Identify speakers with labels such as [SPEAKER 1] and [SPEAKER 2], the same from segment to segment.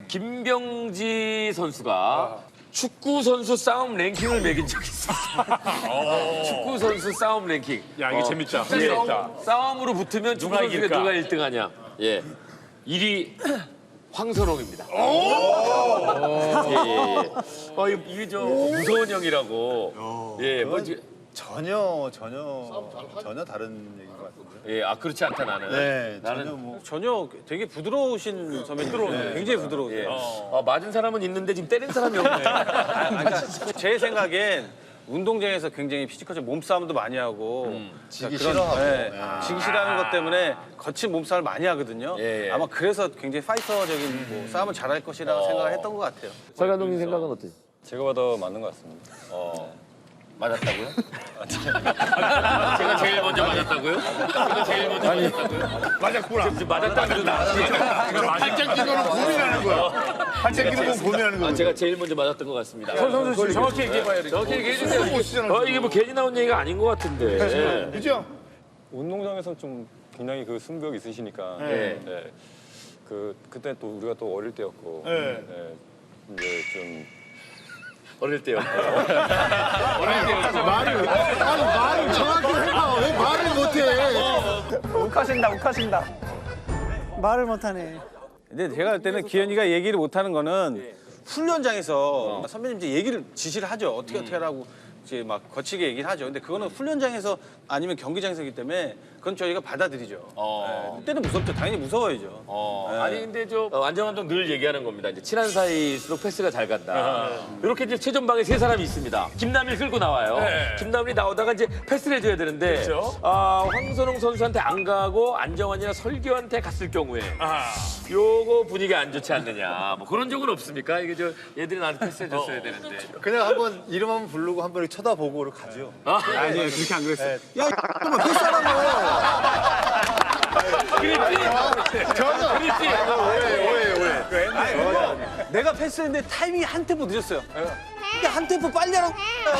[SPEAKER 1] 김병지 선수가 축구 선수 싸움 랭킹을 매긴 적이 있어요. 축구 선수 싸움 랭킹.
[SPEAKER 2] 야, 이거 재밌다.
[SPEAKER 1] 싸움으로 붙으면 축구
[SPEAKER 2] 누가
[SPEAKER 1] 선수가
[SPEAKER 2] 이길까?
[SPEAKER 1] 누가 1등하냐. 예. 1위 황선홍입니다. 예. 이게 저 무서운 형이라고. 예.
[SPEAKER 3] 전혀 다른 얘기인 것 같은데.
[SPEAKER 1] 예. 그렇지 않다 나는.
[SPEAKER 3] 네,
[SPEAKER 1] 나는
[SPEAKER 3] 전혀 뭐.
[SPEAKER 4] 전혀 되게 부드러우신 선배님. 굉장히 부드러우세요.
[SPEAKER 1] 예. 맞은 사람은 있는데 지금 때린 사람이 없네.
[SPEAKER 4] 제 생각엔 운동장에서 굉장히 피지컬적 몸싸움도 많이 하고
[SPEAKER 3] 지기
[SPEAKER 4] 그런,
[SPEAKER 3] 싫어하고.
[SPEAKER 4] 네,
[SPEAKER 3] 예.
[SPEAKER 4] 지기 싫어하는 것 때문에 거친 몸싸움을 많이 하거든요.
[SPEAKER 1] 예, 예.
[SPEAKER 4] 아마 그래서 굉장히 파이터적인 뭐 싸움을 잘할 것이라고 생각을 했던 것 같아요.
[SPEAKER 1] 설 감독님 생각은 어때요?
[SPEAKER 5] 제가 봐도 맞는 것 같습니다.
[SPEAKER 1] 맞았다고요? 제가 제일 먼저 맞았다고요? 제가 제일 먼저 맞았다고요?
[SPEAKER 2] 맞았구나.
[SPEAKER 1] 맞았다고 나.
[SPEAKER 2] 팔짱 끼고는 고민하는 거야. 팔짱 끼고 고민하는 거야.
[SPEAKER 1] 제가 제일 먼저 맞았던 것 같습니다.
[SPEAKER 2] 선수 정확히 얘기해봐요.
[SPEAKER 1] 정확히 얘기해 주세요. 이게 뭐 괜히 나온 얘기가 아닌 것 같은데.
[SPEAKER 2] 그죠?
[SPEAKER 5] 운동장에서는 좀 굉장히 그 승부욕 있으시니까.
[SPEAKER 1] 네.
[SPEAKER 5] 네. 그때 또 우리가 또 어릴 때였고.
[SPEAKER 2] 네.
[SPEAKER 5] 네. 이제 좀
[SPEAKER 1] 어릴 때요.
[SPEAKER 3] 말을 정확히 해봐. 왜 말을 못해?
[SPEAKER 4] 욱하신다.
[SPEAKER 6] 말을 못하네.
[SPEAKER 4] 근데 제가 볼 때는 기현이가 얘기를 못하는 거는 훈련장에서 선배님 이제 얘기를 지시를 하죠. 어떻게 하라고 이제 막 거치게 얘기를 하죠. 근데 그거는 훈련장에서 아니면 경기장에서기 때문에 그건 저희가 받아들이죠. 네. 그때는 무섭죠. 당연히 무서워야죠. 네.
[SPEAKER 1] 아니 근데 안정 감독 늘 얘기하는 겁니다. 이제 친한 사이일수록 패스가 잘 간다. 이렇게 이제 최전방에 세 사람이 있습니다. 김남일 끌고 나와요. 김남일이 나오다가 이제 패스를 해줘야 되는데 황선홍 선수한테 안 가고 안정환이나 설교한테 갔을 경우에 요거 분위기 안 좋지 않느냐. 뭐 그런 적은 없습니까? 이게 얘들이 나한테 패스해줬어야 되는데.
[SPEAKER 3] 그냥 한번 이름 한번 부르고 한번 이렇게 쳐다보고 가죠.
[SPEAKER 4] 아니요, 그렇게 안 그랬어요.
[SPEAKER 3] 야, 또뭐 패스하라고.
[SPEAKER 4] 내가 패스했는데 타이밍이 한 템포 늦었어요. 근데 한 템포 빨리 하라고.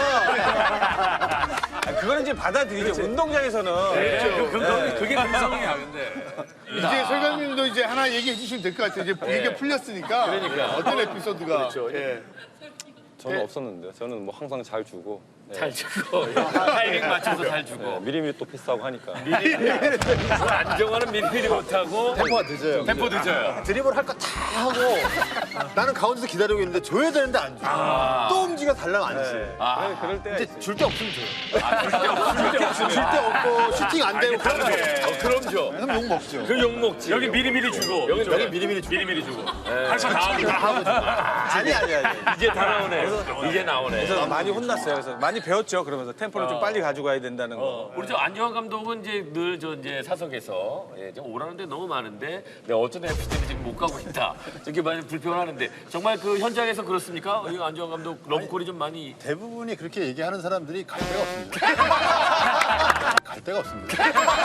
[SPEAKER 4] 그거는 이제 받아들이죠. 운동장에서는.
[SPEAKER 1] 그게 감성이야 근데.
[SPEAKER 2] 이제 설감님도 이제 하나 얘기해 주시면 될 것 같아요. 이제 얘기가 풀렸으니까.
[SPEAKER 1] 그러니까.
[SPEAKER 2] 어떤 에피소드가.
[SPEAKER 1] 그렇죠.
[SPEAKER 2] 예.
[SPEAKER 5] 저는 없었는데 저는 뭐 항상 잘 주고. 네.
[SPEAKER 1] 잘 주고 타이밍 맞춰서 잘 주고.
[SPEAKER 5] 네, 미리미리 또 패스하고 하니까.
[SPEAKER 1] 안정환은 미리미리 못하고
[SPEAKER 3] 템포가 늦어요.
[SPEAKER 1] 템포 늦어요.
[SPEAKER 3] 드리블 할 거 다 하고 나는 가운데서 기다리고 있는데 줘야 되는데 안 줘. 또 움직여 달라면 안 줘.
[SPEAKER 4] 그럴 때가
[SPEAKER 3] 이제 줄 데 없으면 줘요. 줄 데 없고 슈팅 안 되고
[SPEAKER 1] 그럼 줘.
[SPEAKER 3] 그럼 욕 먹죠.
[SPEAKER 1] 그 욕 먹지.
[SPEAKER 2] 여기 미리미리 주고.
[SPEAKER 1] 여기
[SPEAKER 3] 미리미리
[SPEAKER 1] 주고.
[SPEAKER 2] 할거 다 하고.
[SPEAKER 4] 아니.
[SPEAKER 1] 이제 다 나오네. 이제 나오네.
[SPEAKER 4] 그래서 많이 혼났어요. 그래서 많이 배웠죠. 그러면서 템포를 좀 빨리 가져가야 된다는 거.
[SPEAKER 1] 우리 저 안정환 감독은 이제 늘 이제 사석에서 좀 오라는데 너무 많은데 내가 어쩌다 FC를 지금 못 가고 있다. 이렇게 많이 불평하는데 정말 그 현장에서 그렇습니까? 이 안정환 감독 러브콜이 좀 많이.
[SPEAKER 3] 대부분이 그렇게 얘기하는 사람들이 갈 데가 없습니다. 갈 데가 없습니다.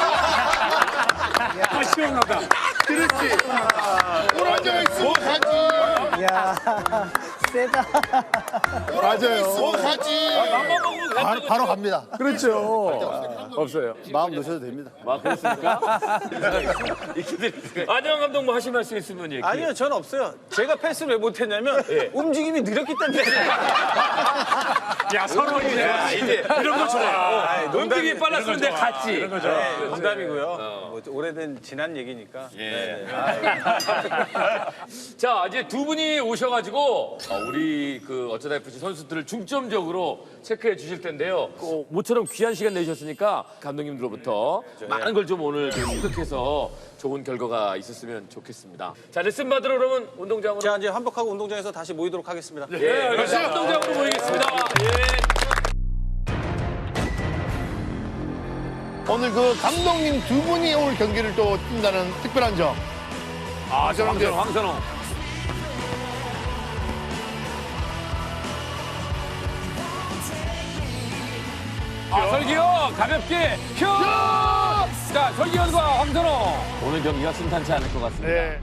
[SPEAKER 2] 시원하다. 그렇지. 오라져 있으면 가지.
[SPEAKER 6] 야, 세다.
[SPEAKER 3] 맞아요.
[SPEAKER 2] 가지.
[SPEAKER 3] 바로 갑니다.
[SPEAKER 6] 그렇죠.
[SPEAKER 1] 없어요.
[SPEAKER 3] 마음 놓으셔도 됩니다.
[SPEAKER 1] 그렇습니까? 안정환 감독 뭐 하실 말씀 있으면 얘기해.
[SPEAKER 4] 아니요, 전 없어요. 제가 패스를 왜 못했냐면 움직임이 느렸기 때문에.
[SPEAKER 2] 야, 서로
[SPEAKER 1] 이제 이런 거 좋아. 움직임이 빨랐으면 내가 갔지.
[SPEAKER 4] 농담이고요. 뭐 오래된 지난 얘기니까. 네.
[SPEAKER 1] 자, 이제 두 분이 오셔가지고 우리 그 어쩌다 FC 선수들을 중점적으로 체크해 주실 텐데요. 모처럼 귀한 시간 내주셨으니까 감독님들로부터 많은 걸 좀 오늘 좀 습득해서 좋은 결과가 있었으면 좋겠습니다. 자, 레슨 받으러 그러면 운동장으로.
[SPEAKER 4] 자, 이제 환복하고 운동장에서 다시 모이도록 하겠습니다.
[SPEAKER 1] 예, 운동장으로 모이겠습니다.
[SPEAKER 2] 오늘 그 감독님 두 분이 오늘 경기를 또 뛴다는 특별한 점.
[SPEAKER 1] 황선홍. 설기현 가볍게 큐! 자, 설기현과 황선홍. 오늘 경기가 순탄치 않을 것 같습니다.
[SPEAKER 2] 네.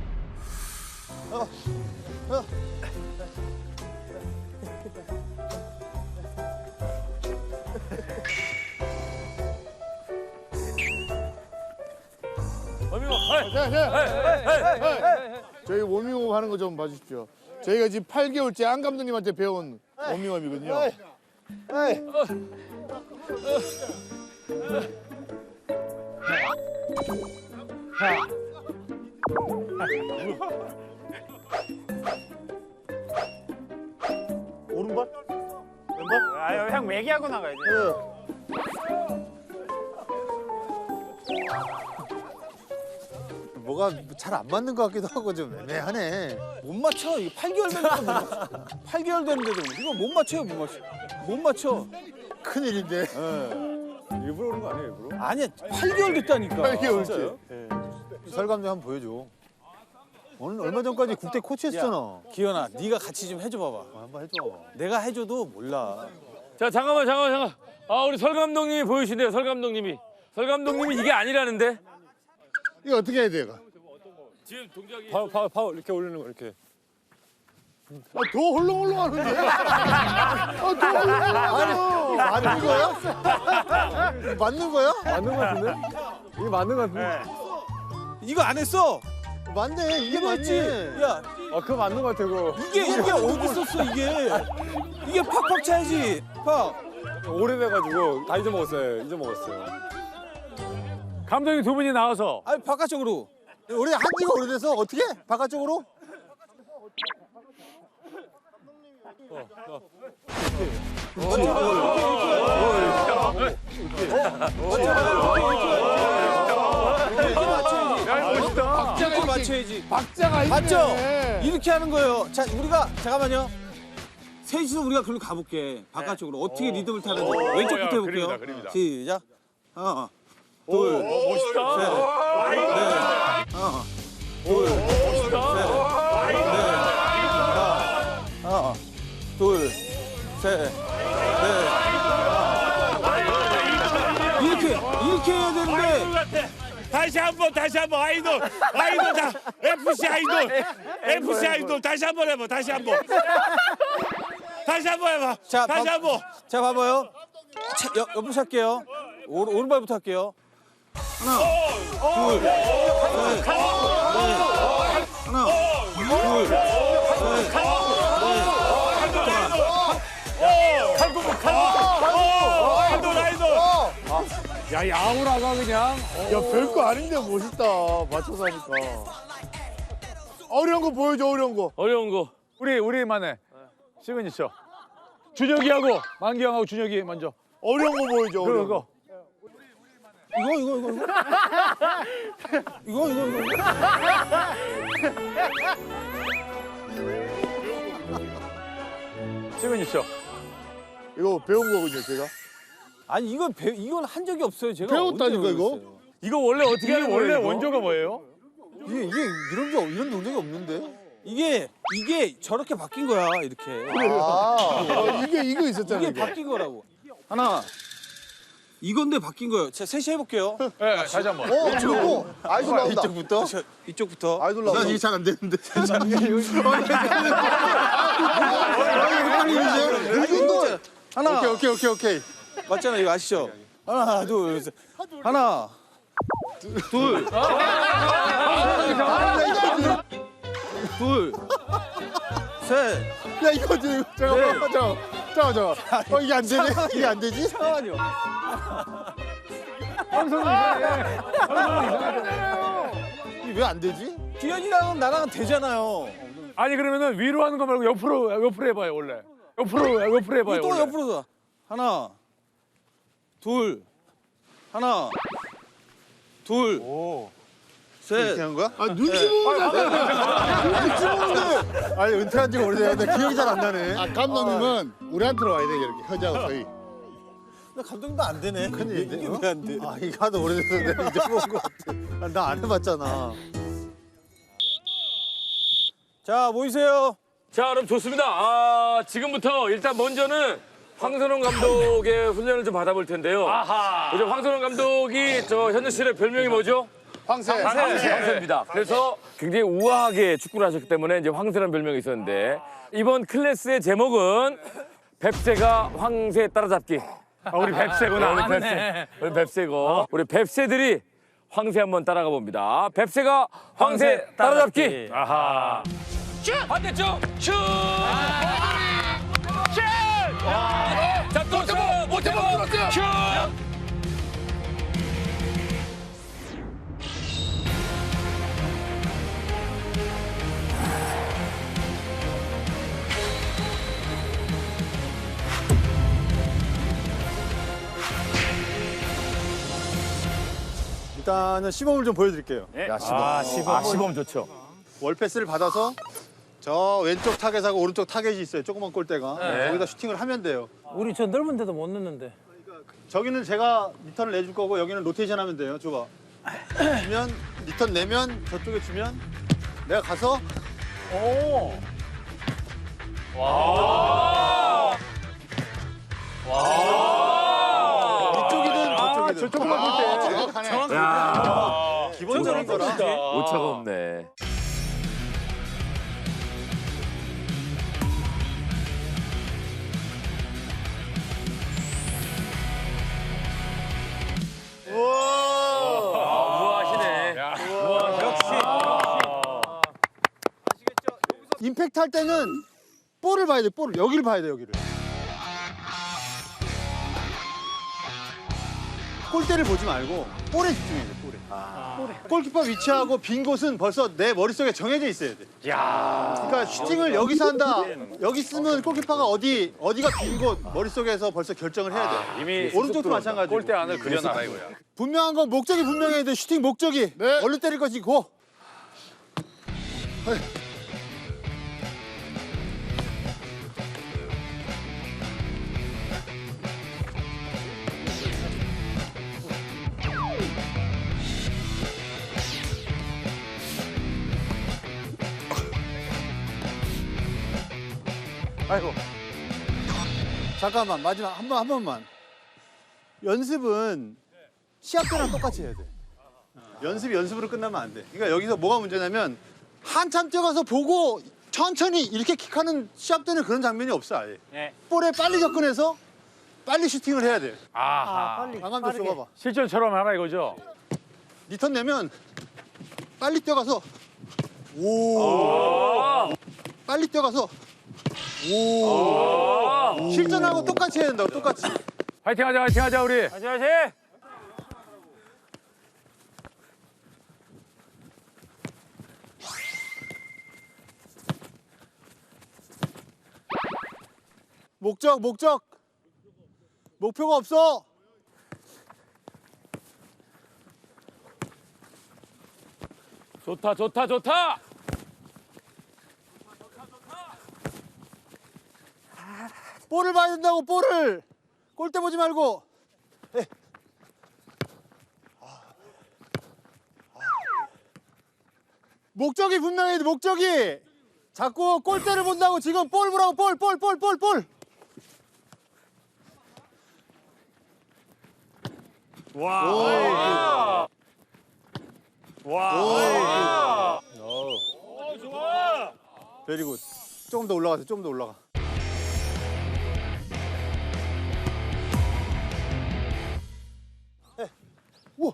[SPEAKER 1] 어미고, 헤이, 헤이, 헤이, 헤이, 헤이.
[SPEAKER 2] 저희 워밍업 하는 거 좀 봐주십시오. 저희가 지금 8개월째 안 감독님한테 배운 워밍업이거든요.
[SPEAKER 7] 오른발? 왼발?
[SPEAKER 5] 아, 형 매기하고 나가야지.
[SPEAKER 3] 뭐가 잘 안 맞는 것 같기도 하고 좀 애매하네.
[SPEAKER 4] 못 맞춰. 이거 8개월 됐는데 못 맞춰. 8개월 됐는데도 이거 못 맞춰요, 못 맞춰. 못 맞춰.
[SPEAKER 3] 큰일인데.
[SPEAKER 5] 일부러 그런 거 아니에요, 일부러?
[SPEAKER 4] 아니야, 8개월 됐다니까.
[SPEAKER 2] 8개월째.
[SPEAKER 3] 설 감독 한번 보여줘. 오늘 얼마 전까지 국대 코치했잖아.
[SPEAKER 4] 기현아, 네가 같이 좀 해줘 봐봐.
[SPEAKER 3] 한번 해줘.
[SPEAKER 4] 내가 해줘도 몰라.
[SPEAKER 1] 자, 잠깐만. 아, 우리 설 감독님이 보이신대요, 설 감독님이. 설 감독님이 이게 아니라는데?
[SPEAKER 2] 이거 어떻게 해야 돼요?
[SPEAKER 1] 지금 동작이.
[SPEAKER 5] 파울 이렇게 올리는 거 이렇게.
[SPEAKER 2] 더 헐렁헐렁하는데? 더 헐렁헐렁하잖아.
[SPEAKER 3] 맞는 거야? 맞는 거야?
[SPEAKER 5] 맞는 거 같은데? 이게 맞는 거 같은데?
[SPEAKER 4] 이거 안 했어.
[SPEAKER 3] 맞네. 이게
[SPEAKER 4] 이거 했지.
[SPEAKER 3] 맞지.
[SPEAKER 4] 야,
[SPEAKER 5] 아, 그거 맞는 거 같아, 그거.
[SPEAKER 4] 이게 어디 있었어 이게? 이게 팍팍 차야지. 팍.
[SPEAKER 5] 오래돼가지고 다 잊어먹었어요, 감독님 두 분이 나와서.
[SPEAKER 4] 아니 바깥쪽으로.
[SPEAKER 3] 우리 한 지가 오래돼서 어떻게? 바깥쪽으로?
[SPEAKER 4] 이렇게 맞춰야지.
[SPEAKER 2] 박자가 있네.
[SPEAKER 4] 맞죠? 이렇게 하는 거예요. 자, 우리가 잠깐만요. 셋이서 우리가 그럼 가볼게. 바깥쪽으로 어떻게 리듬을 타는지 왼쪽부터 해볼게요. 시작. 하나, 둘,
[SPEAKER 5] 멋있다.
[SPEAKER 4] 셋, 넷, 하나, 둘, 셋, 넷, 하나, 둘, 셋, 넷. 이렇게 해야 되는데.
[SPEAKER 8] 다시 한번 아이돌 다 FC 아이돌 다시 한번 해봐 다시 한번 해봐
[SPEAKER 4] 자,
[SPEAKER 8] 다시 한번
[SPEAKER 4] 자, 봐봐요. 차, 옆부터 할게요. 오른발부터 할게요. 하나, 둘, 셋, 넷. 하나, 둘, 셋,
[SPEAKER 8] 아이돌
[SPEAKER 5] 야, 야구라가 그냥.
[SPEAKER 2] 야, 별거 아닌데 멋있다. 맞춰서 하니까. 어려운 거 보여줘, 어려운 거.
[SPEAKER 1] 어려운 거.
[SPEAKER 5] 우리만의 시그니처. 준혁이하고 만기형하고 준혁이 먼저.
[SPEAKER 2] 어려운 거 보여줘, 어려운 거.
[SPEAKER 4] 이거.
[SPEAKER 5] 시그니처.
[SPEAKER 2] 이거 배운 거군요, 제가.
[SPEAKER 4] 아니 이건 한 적이 없어요. 제가
[SPEAKER 2] 배웠다니까,
[SPEAKER 4] 언제
[SPEAKER 2] 이거?
[SPEAKER 4] 배웠어요?
[SPEAKER 1] 이거 원래 어떻게 하는 거예요?
[SPEAKER 5] 원래
[SPEAKER 1] 이거?
[SPEAKER 5] 원조가 뭐예요?
[SPEAKER 3] 이게 이런 동작이 없는데?
[SPEAKER 4] 이게 저렇게 바뀐 거야 이렇게.
[SPEAKER 2] 이거 있었잖아.
[SPEAKER 4] 이게 바뀐 거라고. 하나. 이건데 바뀐 거예요. 자, 셋이 해볼게요.
[SPEAKER 5] 네, 다시 한 번.
[SPEAKER 3] 저거 아이돌 나온다.
[SPEAKER 2] 이쪽부터?
[SPEAKER 4] 이쪽부터.
[SPEAKER 3] 아이돌 나온다.
[SPEAKER 2] 이게 잘 안 되는데.
[SPEAKER 4] 하나.
[SPEAKER 2] 오케이.
[SPEAKER 4] 맞잖아 이거 아시죠? 하나, 둘, 셋. 하나. 둘. 둘. 셋.
[SPEAKER 2] 야, 이거 잠깐만. 이게 안 되네? 이게 안 되지?
[SPEAKER 4] 잠깐만요.
[SPEAKER 3] 이게 왜 안 되지?
[SPEAKER 4] 기현이랑은 나랑은 되잖아요.
[SPEAKER 5] 아니, 그러면은 위로 하는 거 말고 옆으로 해봐요, 원래. 옆으로 해봐요.
[SPEAKER 4] 또
[SPEAKER 5] 원래.
[SPEAKER 4] 옆으로 서. 하나. 둘. 하나. 둘. 셋.
[SPEAKER 3] 이렇게 하는 거야?
[SPEAKER 2] 아, 눈치 보는데.
[SPEAKER 3] 아니 은퇴한 지가 오래됐는데 기억이 잘 안 나네.
[SPEAKER 2] 아, 감독님은 우리한테로 와야 돼, 이렇게. 허지하고 저희.
[SPEAKER 4] 나 감독님도 안 되네.
[SPEAKER 3] 큰일인데?
[SPEAKER 4] 이게 왜 안 돼?
[SPEAKER 3] 아 이거 하도 오래돼서 내가 잊어먹은 것 같아. 나 안 해봤잖아.
[SPEAKER 4] 자, 모이세요.
[SPEAKER 1] 자, 그럼 좋습니다. 지금부터 일단 먼저는 황선홍 감독의 훈련을 좀 받아볼 텐데요. 요즘 황선홍 감독이 저 현재 씨의 별명이 뭐죠? 황새입니다. 그래서 굉장히 우아하게 축구를 하셨기 때문에 이제 황새라는 별명이 있었는데 이번 클래스의 제목은 뱁새가 황새 따라잡기.
[SPEAKER 5] 우리 뱁새구나.
[SPEAKER 1] 우리 뱁새고 우리 뱁새들이 황새 한번 따라가 봅니다. 뱁새가 황새 따라잡기. 아하. 반대쪽 슛. 슛. 자, 또 못 잡아. 슛.
[SPEAKER 3] 일단은 시범을 좀 보여드릴게요.
[SPEAKER 1] 시범 좋죠.
[SPEAKER 3] 월패스를 받아서 저 왼쪽 타겟하고 오른쪽 타겟이 있어요. 조그만 골대가. 거기다 슈팅을 하면 돼요.
[SPEAKER 6] 우리 저 넓은 데도 못 넣는데.
[SPEAKER 3] 저기는 제가 리턴을 내줄 거고 여기는 로테이션 하면 돼요. 줘봐. 주면 리턴 내면 저쪽에 주면 내가 가서 이쪽이든 저쪽이든. 저쪽만 볼 때. 정확하네. 기본적인 거라.
[SPEAKER 1] 오차가 없네. 우아하시네.
[SPEAKER 3] 임팩트 할 때는 볼을 봐야 돼. 볼을 여기를 봐야 돼. 여기를. 골대를 보지 말고 볼에 집중해야 돼. 볼에. 골키퍼 위치하고 빈 곳은 벌써 내 머릿속에 정해져 있어야 돼. 그러니까 슈팅을 여기서 한다. 여기 쓰면 골키퍼가 어디가 빈 곳 머릿속에서 벌써 결정을 해야 돼.
[SPEAKER 5] 이미
[SPEAKER 3] 오른쪽도 마찬가지고.
[SPEAKER 5] 골대 안을 그려놔라 이거야.
[SPEAKER 3] 분명한 건 목적이 분명해야 돼. 슈팅 목적이. 얼른 때릴 것이 고. 아이고. 잠깐만 마지막 한 번만. 연습은 시합 때랑 똑같이 해야 돼. 연습이 연습으로 끝나면 안 돼. 그러니까 여기서 뭐가 문제냐면 한참 뛰어가서 보고 천천히 이렇게 킥하는 시합 때는 그런 장면이 없어 아예.
[SPEAKER 5] 네.
[SPEAKER 3] 볼에 빨리 접근해서 빨리 슈팅을 해야 돼.
[SPEAKER 5] 아하.
[SPEAKER 6] 빨리.
[SPEAKER 3] 강감도
[SPEAKER 6] 빠르게.
[SPEAKER 3] 줘봐봐.
[SPEAKER 5] 실전처럼 하라 이거죠?
[SPEAKER 3] 리턴 내면 빨리 뛰어가서 오. 빨리 뛰어가서 오. 실전하고 똑같이 해야 된다고 똑같이.
[SPEAKER 5] 화이팅 하자 우리. 화이팅.
[SPEAKER 3] 목적 목표가 없어.
[SPEAKER 1] 좋다.
[SPEAKER 3] 볼을 봐야 된다고 볼을. 골대 보지 말고. 목적이 분명해야 돼. 목적이. 자꾸 골대를 본다고 지금 볼 보라고 볼.
[SPEAKER 8] 와. 와. 좋아.
[SPEAKER 3] 베리굿. 조금 더 올라가세요. 좀 더 올라가. 우와.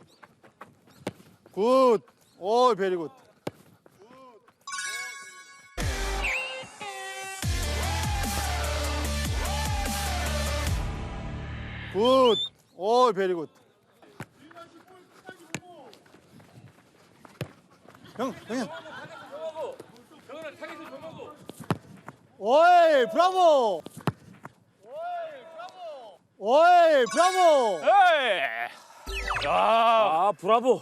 [SPEAKER 3] 굿. 오, 베리굿. 굿. 오, 베리굿. 형님. 오이, 브라보. 오이, 브라보.
[SPEAKER 1] 아, 브라보.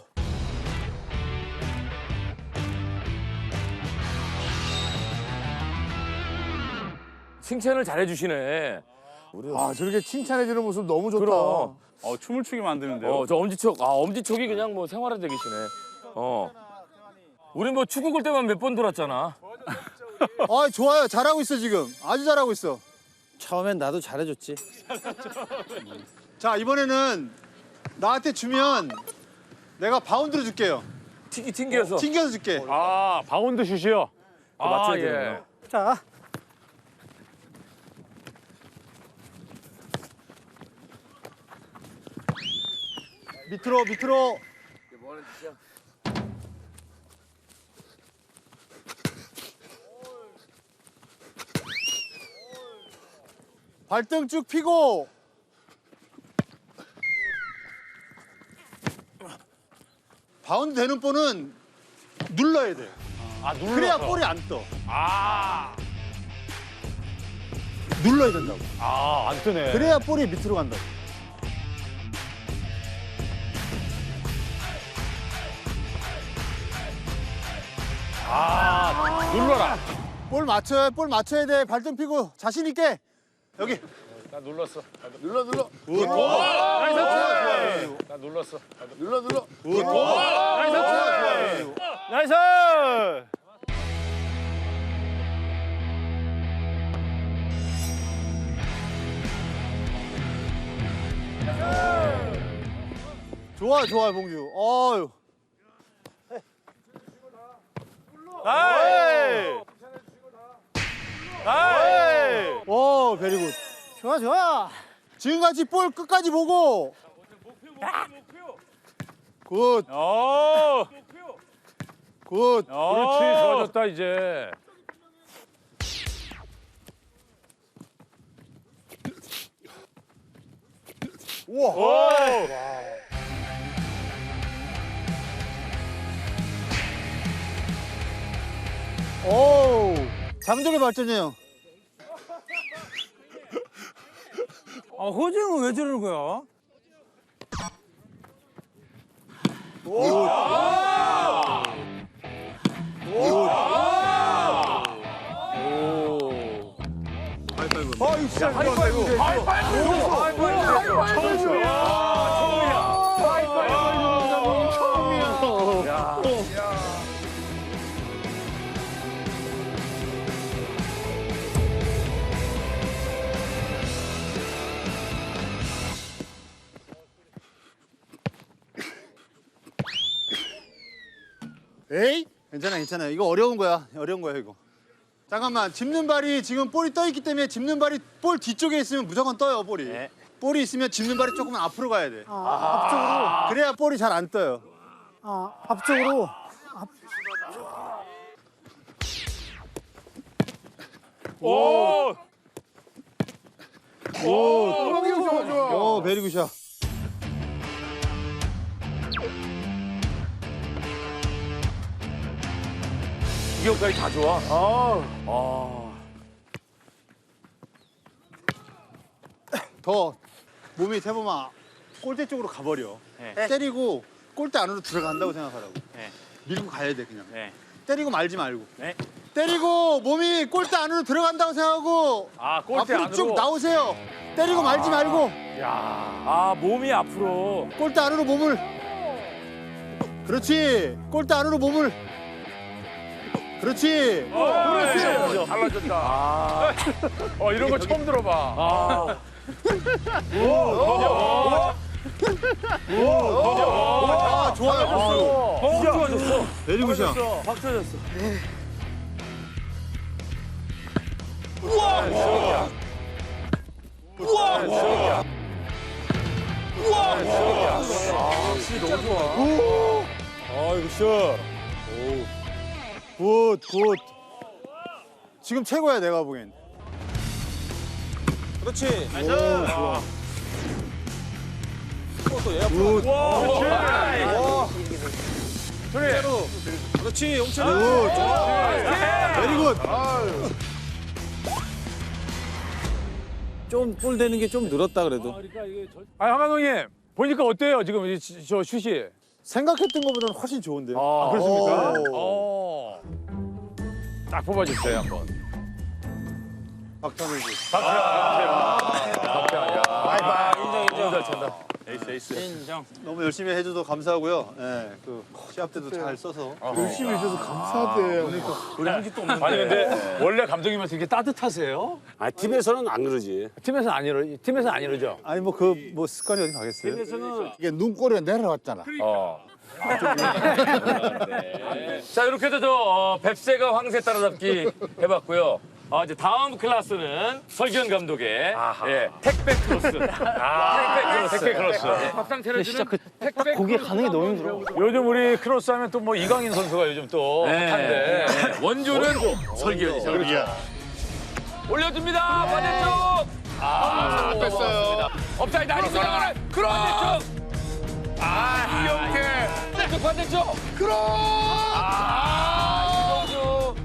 [SPEAKER 1] 칭찬을 잘해주시네.
[SPEAKER 2] 아 저렇게 칭찬해주는 모습 너무 좋다.
[SPEAKER 1] 그럼.
[SPEAKER 5] 춤을 추게 만드는데요.
[SPEAKER 1] 저 엄지척이 그냥 뭐 생활화돼 계시네. 우리 뭐 축구 골 때만 몇 번 돌았잖아.
[SPEAKER 3] 아, 좋아요. 잘하고 있어, 지금. 아주 잘하고 있어.
[SPEAKER 4] 처음엔 나도 잘해줬지.
[SPEAKER 3] 자, 이번에는 나한테 주면 내가 바운드로 줄게요.
[SPEAKER 1] 튕겨서.
[SPEAKER 3] 튕겨서 줄게.
[SPEAKER 5] 아 바운드 슛이요.
[SPEAKER 1] 맞춰야
[SPEAKER 5] 예.
[SPEAKER 1] 되는구나.
[SPEAKER 6] 자,
[SPEAKER 3] 밑으로. 발등 쭉 펴고 바운드 되는 볼은 눌러야 돼. 그래야 볼이 안 떠. 눌러야 된다고.
[SPEAKER 5] 안 뜨네.
[SPEAKER 3] 그래야 볼이 밑으로 간다고.
[SPEAKER 5] 눌러라.
[SPEAKER 3] 볼 맞춰야 돼. 발등 펴고 자신 있게. 여기.
[SPEAKER 5] 나 눌렀어.
[SPEAKER 2] 눌러.
[SPEAKER 5] 나 눌렀어.
[SPEAKER 2] 눌러.
[SPEAKER 5] 나이스.
[SPEAKER 3] 좋아, 봉주. 어유. 오, 베리굿.
[SPEAKER 6] 좋아.
[SPEAKER 3] 지금같이 볼 끝까지 보고. 굿. 굿.
[SPEAKER 5] 그렇지. 좋아졌다 이제.
[SPEAKER 3] 오. 장족의 발전이에요.
[SPEAKER 6] 허재영은 왜 저러는 거야?
[SPEAKER 3] 에이? 괜찮아. 이거 어려운 거야, 이거. 잠깐만, 짚는 발이 지금 볼이 떠 있기 때문에 짚는 발이 볼 뒤쪽에 있으면 무조건 떠요, 볼이. 볼이 있으면 짚는 발이 조금 앞으로 가야 돼.
[SPEAKER 6] 앞쪽으로.
[SPEAKER 3] 그래야 볼이 잘 안 떠요.
[SPEAKER 6] 앞쪽으로.
[SPEAKER 3] 오, 베리굿이야.
[SPEAKER 1] 기억까지 다 좋아.
[SPEAKER 3] 더 몸이 세보면 골대 쪽으로 가버려. 때리고 골대 안으로 들어간다고 생각하라고. 밀고 가야 돼, 그냥. 때리고 말지 말고. 때리고 몸이 골대 안으로 들어간다고 생각하고
[SPEAKER 5] 골대
[SPEAKER 3] 앞으로 쭉
[SPEAKER 5] 안으로.
[SPEAKER 3] 나오세요. 때리고 말지 말고
[SPEAKER 5] 몸이 앞으로.
[SPEAKER 3] 골대 안으로 몸을. 그렇지. 골대 안으로 몸을. 그렇지.
[SPEAKER 5] 달라졌다. 이런 거 처음 들어봐.
[SPEAKER 3] 좋아요.
[SPEAKER 5] 좋아졌어.
[SPEAKER 3] 베리굿이야.
[SPEAKER 5] 확 좋아졌어.
[SPEAKER 3] 굿. 지금 최고야, 내가 보기엔.
[SPEAKER 4] 그렇지.
[SPEAKER 3] 좋아.
[SPEAKER 4] 또 얘가
[SPEAKER 3] 굿.
[SPEAKER 4] 그대로. 그렇지. 용철.
[SPEAKER 3] 베리굿.
[SPEAKER 4] 좀 볼 되는 게 좀 늘었다 그래도.
[SPEAKER 5] 황 감독님 보니까 어때요 지금 저 슛이?
[SPEAKER 3] 생각했던 것보다는 훨씬 좋은데요.
[SPEAKER 5] 그렇습니까?
[SPEAKER 3] 오.
[SPEAKER 5] 딱 뽑아주세요 한번.
[SPEAKER 3] 박찬호 씨.
[SPEAKER 6] 인정.
[SPEAKER 3] 너무 열심히 해줘서 감사하고요. 예, 그 시합 때도 잘 써서.
[SPEAKER 2] 열심히 해줘서 감사하대요.
[SPEAKER 5] 아니 근데 원래 감독님한테 이렇게 따뜻하세요?
[SPEAKER 7] 팀에서는 안 그러지.
[SPEAKER 5] 팀에서는 안 이러죠.
[SPEAKER 3] 아니 뭐 습관이 어디 가겠어요?
[SPEAKER 2] 이게 눈꼬리가 내려왔잖아.
[SPEAKER 1] 자, 이렇게 해서 저 뱁새가 황새 따라잡기 해봤고요. 이제 다음 클래스는 설기현 감독의 예, 택배 크로스. 택배 크로스. 밥상 차려주는 택배
[SPEAKER 6] 거기에 가는 게 너무 힘들어.
[SPEAKER 5] 요즘 우리 크로스 하면 또 뭐 이강인 선수가 요즘 또 핫한데.
[SPEAKER 1] 원조는 설기현이죠. 올려줍니다. 반대쪽.
[SPEAKER 2] 뺐어요.
[SPEAKER 1] 업사이드 아니고 나가는 반대쪽. 이영태. 반대쪽. 이동주.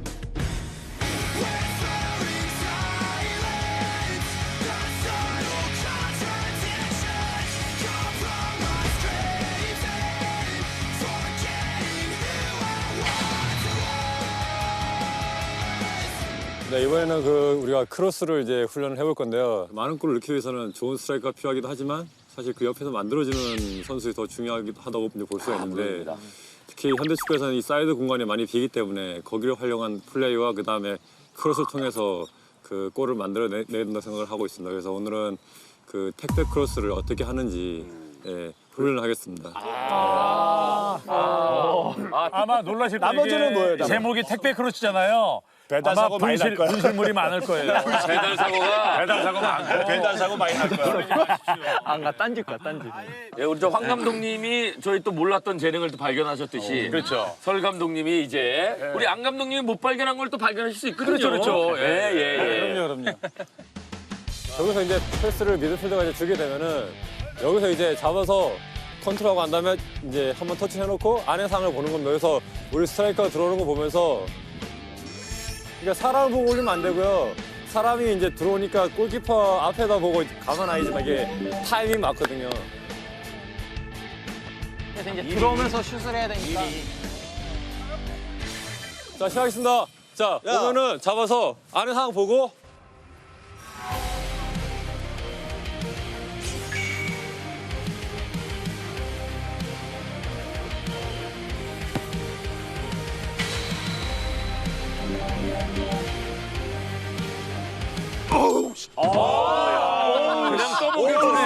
[SPEAKER 9] 네, 이번에는 우리가 크로스를 이제 훈련을 해볼 건데요. 많은 골을 넣기 위해서는 좋은 스트라이커가 필요하기도 하지만 사실 그 옆에서 만들어지는 선수들이 더 중요하다고 볼 수가 있는데 특히 현대 축구에서는 이 사이드 공간이 많이 비기 때문에 거기를 활용한 플레이와 그 다음에 크로스를 통해서 그 골을 만들어내야 된다고 생각을 하고 있습니다. 그래서 오늘은 그 택배 크로스를 어떻게 하는지 예, 훈련을 하겠습니다.
[SPEAKER 5] 아마 놀라실 거예요.
[SPEAKER 4] 나머지는 뭐예요, 나머지?
[SPEAKER 5] 제목이 택배 크로스잖아요.
[SPEAKER 8] 배달
[SPEAKER 5] 아마
[SPEAKER 8] 사고 많이 날 거야.
[SPEAKER 5] 분실물이 많을 거예요.
[SPEAKER 1] 배달 사고가
[SPEAKER 8] 배달 사고 많고. 배달 사고 많이 날 거야.
[SPEAKER 6] 안 가, 딴짓 거야, 딴짓.
[SPEAKER 1] 예, 우리 황 감독님이 저희 또 몰랐던 재능을 또 발견하셨듯이
[SPEAKER 5] 그렇죠.
[SPEAKER 1] 설 감독님이 이제 우리 안 감독님이 못 발견한 걸 또 발견하실 수 있거든요.
[SPEAKER 5] 그렇죠.
[SPEAKER 1] 예.
[SPEAKER 4] 그럼요.
[SPEAKER 9] 여기서 이제 패스를 미드필더가 이제 주게 되면은 여기서 이제 잡아서 컨트롤하고 난 다음에 이제 한번 터치해놓고 안의 상을 보는 겁니다. 여기서 우리 스트라이커가 들어오는 거 보면서 그러니까 사람을 보고 올리면 안 되고요. 사람이 이제 들어오니까 골키퍼 앞에다 보고 가만 아니지만 이게 타이밍 맞거든요.
[SPEAKER 6] 그래서 이제 들어오면서 슛을 해야 되니까.
[SPEAKER 9] 자, 시작하겠습니다. 자, 보면은 잡아서 안의 상황 보고
[SPEAKER 1] 그냥 떠먹여주네.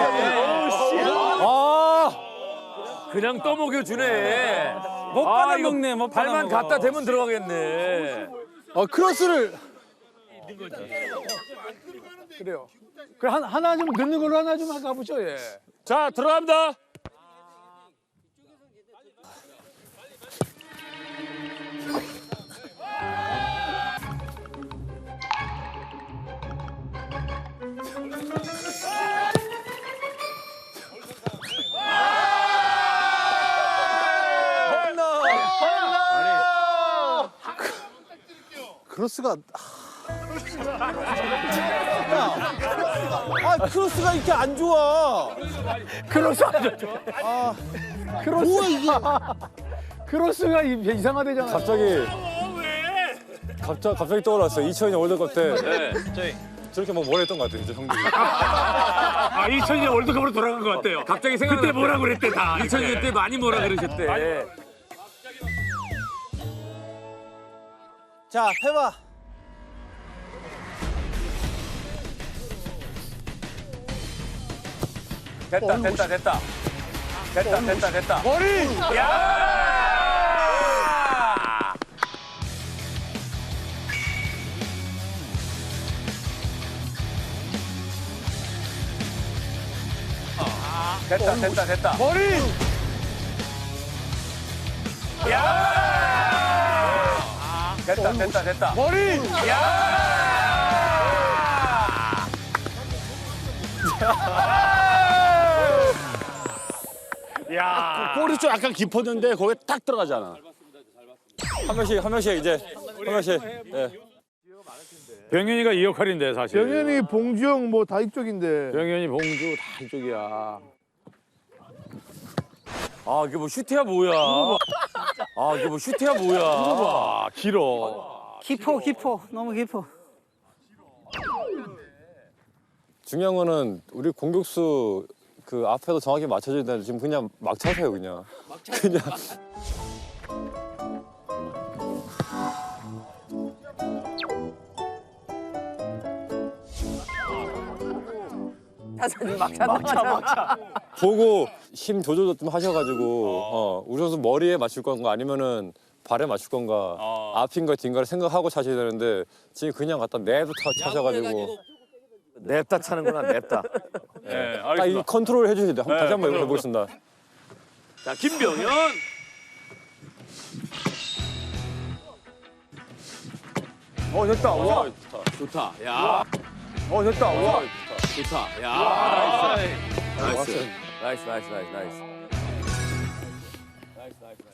[SPEAKER 1] 그냥 떠먹여주네.
[SPEAKER 5] 못 받아
[SPEAKER 1] 이거
[SPEAKER 5] 먹네, 못 받아
[SPEAKER 1] 발만
[SPEAKER 5] 먹어.
[SPEAKER 1] 갖다 대면 들어가겠네.
[SPEAKER 3] 크로스를
[SPEAKER 5] 그래요. 그 하나 좀 넣는 걸로 하나 좀 가보죠, 예.
[SPEAKER 8] 자, 들어갑니다.
[SPEAKER 3] 크로스가
[SPEAKER 4] 크로스가 이렇게 안 좋아.
[SPEAKER 5] 크로스 안 좋죠. 크로스. 뭐야, 이게. 크로스가 이상하대잖아.
[SPEAKER 9] 갑자기 떠올랐어요. 2002년 월드컵 때
[SPEAKER 1] 네.
[SPEAKER 9] 저렇게 막 뭘 했던 것 같아요, 진짜 형들이.
[SPEAKER 5] 2002년 월드컵으로 돌아간 것 같아요.
[SPEAKER 1] 갑자기 생각나.
[SPEAKER 5] 그때 뭐라 그랬대, 다.
[SPEAKER 1] 2000년 때 많이 뭐라 그러셨대.
[SPEAKER 4] 자, 해봐.
[SPEAKER 1] 됐다. 머리! 야! 됐다.
[SPEAKER 3] 머리
[SPEAKER 1] 야! 됐다.
[SPEAKER 3] 머리
[SPEAKER 7] 골이 좀 약간 깊었는데 거기에 딱 들어가잖아.
[SPEAKER 9] 한 명씩 이제 한 명씩. 예.
[SPEAKER 5] 병현이가 이 역할인데, 사실.
[SPEAKER 2] 병현이, 봉주영 뭐 다 이쪽인데.
[SPEAKER 5] 병현이, 봉주 다 이쪽이야.
[SPEAKER 1] 이게 뭐 슈트야 뭐야? 이게 뭐 슈트야 뭐야?
[SPEAKER 5] 아, 길어.
[SPEAKER 6] 깊어. 너무 깊어.
[SPEAKER 9] 중요한 거는 우리 공격수 그 앞에도 정확히 맞춰줘야 되는데 지금 그냥 막 차세요, 그냥. 그냥.
[SPEAKER 6] 막차.
[SPEAKER 9] 보고 힘 조절도 좀 하셔가지고 우리 선수 머리에 맞출 건가 아니면은 발에 맞출 건가 앞인가 뒤인가를 생각하고 차셔야 되는데 지금 그냥 갖다 내도 차셔가지고
[SPEAKER 1] 냅다 차는구나, 냅다.
[SPEAKER 5] 네,
[SPEAKER 9] 딱 이
[SPEAKER 5] 알겠습니다.
[SPEAKER 9] 컨트롤 해주셔야 돼요.
[SPEAKER 5] 네,
[SPEAKER 9] 다시 한번
[SPEAKER 5] 컨트롤.
[SPEAKER 9] 해보겠습니다.
[SPEAKER 1] 자, 김병현.
[SPEAKER 5] 됐다. 와.
[SPEAKER 1] 좋다. 야,
[SPEAKER 5] 됐다. 와.
[SPEAKER 1] 좋다. 야, 나이스. 나이스, 나이스, 나이스, 나이스.